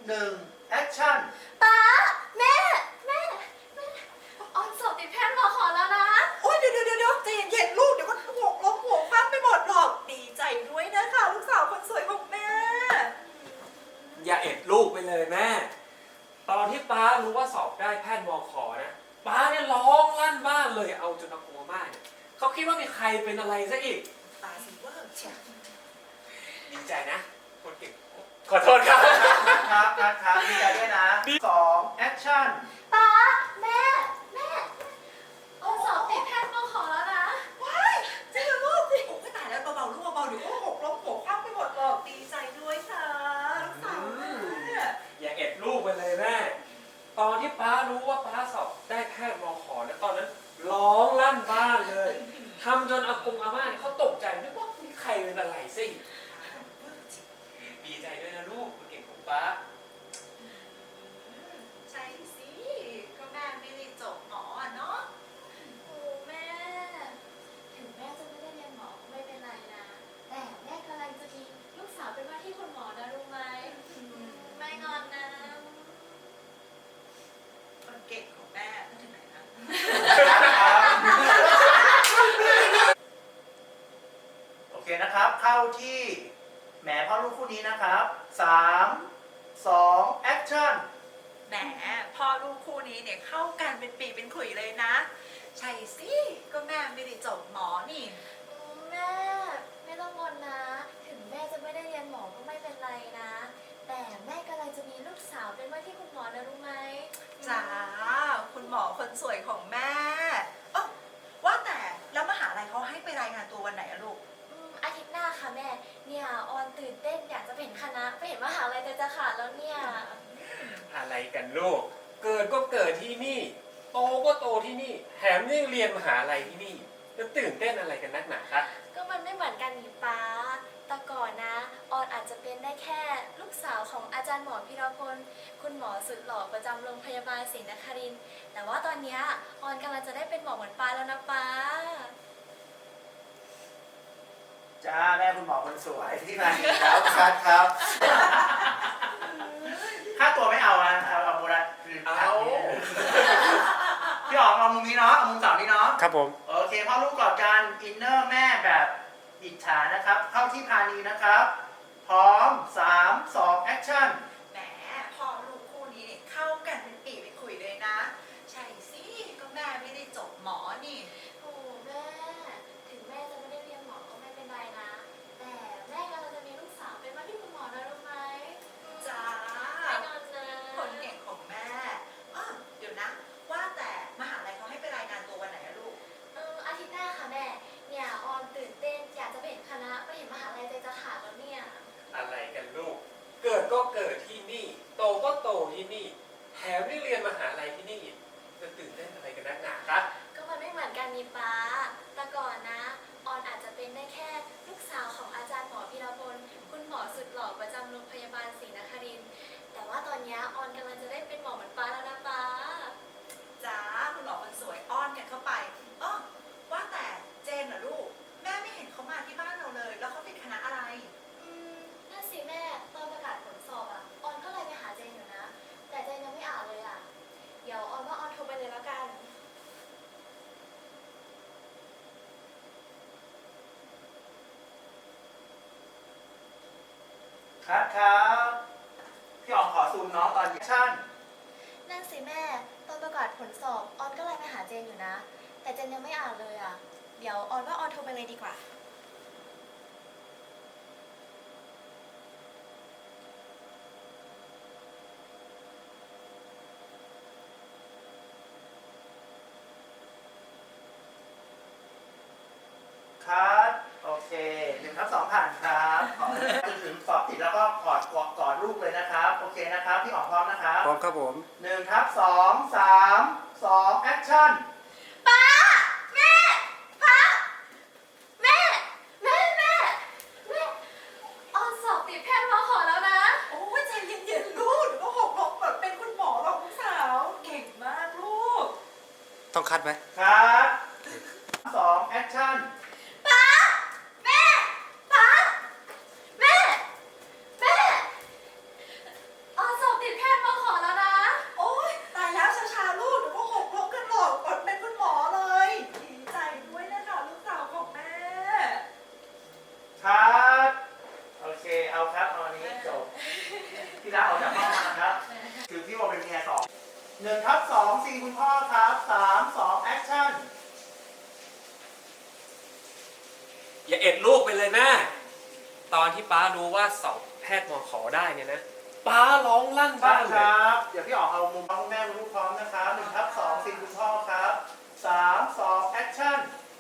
1แอคชั่นป๊าแม่ออนสอบติดแพทย์มขอแล้วนะโอ๊ยเดี๋ยวใจเย็นๆลูกเดี๋ยวก็หกล้มหัวฟาดไปหมดหรอกดีใจด้วยนะคะลูกสาวคนสวยของแม่อย่าเอ็ดลูกไปเลยแม่ตอนที่ป้ารู้ว่าสอบได้แพทย์มขนะป้าเนี่ยร้องลั่นบ้านเลยเอาจนอากงอาม่าเนี่ยเขาคิดว่ามีใครเป็นอะไรซะอีกตาสิเวอร์เชียดีใจนะคนเก่งขอโทษครับครับดีใจด้วยนะ2แอคชั่นป๊าแม่ออนสอบติดแพทย์มขอแล้วนะว้ายจริงเหรอลูกโอ้ยตายแล้วเบาๆลูกเบาๆเดี๋ยวก็หกล้มหัวฟาดไปหมดหรอกดีใจด้วยค่ะลูกสาวแม่อย่าเอ็ดลูกไปเลยแม่ตอนที่ป้ารู้ว่าป้าสอบได้แพทย์มขนะตอนนั้นร้องลั่นบ้านเลยทำจนอากงอาม่าเนี่ยเขาตกใจนึกว่ามีใครเป็นอะไรสิดีใจด้วยนะลูกคนเก่งของป้าใช่สิก็แม่ไม่ได้จบหมอเนาะโอ้แม่ถึงแม่จะไม่ได้เรียนหมอก็ไม่เป็นไรนะแต่แม่กำลังจะมีลูกสาวเป็นว่าที่คุณหมอนะรู้ไหมไม่งอนนะคนเก่งของแม่มาถึงไหนนะโอเคนะครับเข้าที่แหมพ่อลูกคู่นี้นะครับ3 2แอคชั่นแหมพ่อลูกคู่นี้เนี่ยเข้ากันเป็นปีเป็นขุยเลยนะใช่สิก็แม่ไม่ได้จบหมอนี่แม่ไม่ต้องงอนนะถึงแม่จะไม่ได้เรียนหมอก็ไม่เป็นไรนะแต่แม่กำลังจะมีลูกสาวเป็นว่าที่คุณหมอนะรู้ไหมจ้าคุณหมอคนสวยของแม่เออว่าแต่แล้วมหาลัยเขาให้ไปรายงานตัววันไหนอะลูกอาทิตย์หน้าค่ะแม่เนี่ยออนตื่นเต้นอยากจะเห็นคณะไปเห็นมหาลัยจะขาดแล้วเนี่ยอะไรกันลูกเกิดก็เกิดที่นี่โตก็โตที่นี่แถมยังเรียนมหาลัยที่นี่จะตื่นเต้นอะไรกันนักหนาคะก็มันไม่เหมือนกันนี่ป้าแต่ก่อนนะออนอาจจะเป็นได้แค่ลูกสาวของอาจารย์หมอพีรพลคุณหมอสุดหล่อประจำโรงพยาบาลศรีนครินทร์แต่ว่าตอนนี้ออนกำลังจะได้เป็นหมอเหมือนป้าแล้วนะป้าจ้าแม่คุณหมอคนสวยที่มาอีกแล้วครับค่าตัวไม่เอานะเอาโบนัสเอาพี่อ๋องเอามุมนี้เนาะเอามุมสาวนี้เนาะครับผมโอเคพ่อลูกกอดกันอินเนอร์แม่แบบอิจฉานะครับเข้าที่พานีนะครับพร้อม3 2แอคชั่นแหมพ่อลูกคู่นี้เนี่ยเข้ากันเป็นปีเป็นขุยเลยนะใช่สิก็แม่ไม่ได้จบหมอนี่โอ้แม่ถึงแม่จะไม่ได้เรียนหมอก็ไม่เป็นไรนะแต่แม่กำลังจะมีลูกสาวเป็นว่าที่คุณหมอนะรู้ไหมจ้าไม่นอนนะคนเก่งของแม่เดี๋ยวนะว่าแต่มหาลัยเขาให้ไปรายงานตัววันไหนอะลูกอาทิตย์หน้าค่ะแม่เนี่ยออนตื่นเต้นอยากจะไปเห็นคณะไปเห็นมหาลัยใจจะขาดแล้วเนี่ยอะไรกันลูกเกิดก็เกิดที่นี่โตก็โตที่นี่แถมได้เรียนมหาลัยที่นี่จะตื่นเต้นอะไรกันนักหนาคะก็มันไม่เหมือนกันนี่ป้าแต่ก่อนนะออนอาจจะเป็นได้แค่ลูกสาวของอาจารย์หมอพีรพลคุณหมอสุดหล่อประจำโรงพยาบาลศรีนครินทร์แต่ว่าตอนนี้ออนกำลังจะได้เป็นหมอเหมือนป้าแล้วนะป้าจ้าคุณหมอคนสวยอ้อนกันเข้าไปว่าแต่เจนเหรอลูกแม่ไม่เห็นเขามาที่บ้านเราเลยแล้วเขาติดคณะอะไรนั่นสิแม่ตอนประกาศผลสอบอะออนก็เลยไปหาเจนอยู่นะแต่เจนยังไม่อ่านเลยอะเดี๋ยวออนว่าออนโทรไปเลยแล้วกันครับพี่อ๋องขอซูมน้องตอนแอคชั่นนั่นสิแม่ตอนประกาศผลสอบออนก็เลยไปหาเจนอยู่นะแต่เจนยังไม่อ่านเลยอะเดี๋ยวออนว่าออนโทรไปเลยดีกว่าครับโอเค1/2ผ่านครับจนถึงสอบติดแล้วก็กอดลูกเลยนะครับโอเคนะครับพี่อ๋องพร้อมนะครับพร้อมครับผม 1/2 3 2แอคชั่นป้าแม่ป้าแม่ออนสอบติดแพทย์มขอแล้วนะโอ้ยใจเย็นๆลูกเดี๋ยวก็หกล้มแบบเป็นคุณหมอหรอกลูกสาวเก่งมากลูกต้องคัดไหมครับ2แอคชั่นป้าแม่ออนสอบพี่ลาออกจากห้องมานะครับคือพี่วอลเป็นเมียสอง1/2ซีนคุณพ่อครับ3 2แอคชั่นอย่าเอ็ดลูกไปเลยแม่ตอนที่ป้ารู้ว่าสอบแพทย์มขได้เนี่ยนะป้าร้องลั่นบ้าบ้าน นคเลยรับ เดี๋ยวพี่ออกเอามุมคุณแม่มาลูกพร้อมนะครับ1/2ซีนคุณพ่อครับ3 2แอคชั่น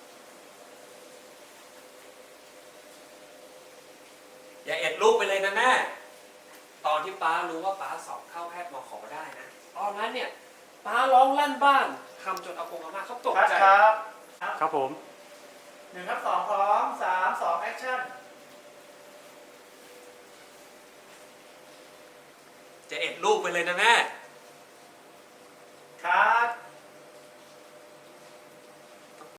อย่าเอ็ดลูกไปเลยนะแม่ตอนที่ป้ารู้ว่าป้าสอบเข้าแพทย์มขได้นะตอนนั้นเนี่ยป้าร้องลั่นบ้านทำจนอากงอาม่าเขาตกครับใจครับครับผม 1/2พร้อม3 2แอคชั่นจะเอ็ดลูกไปเลยนะแม่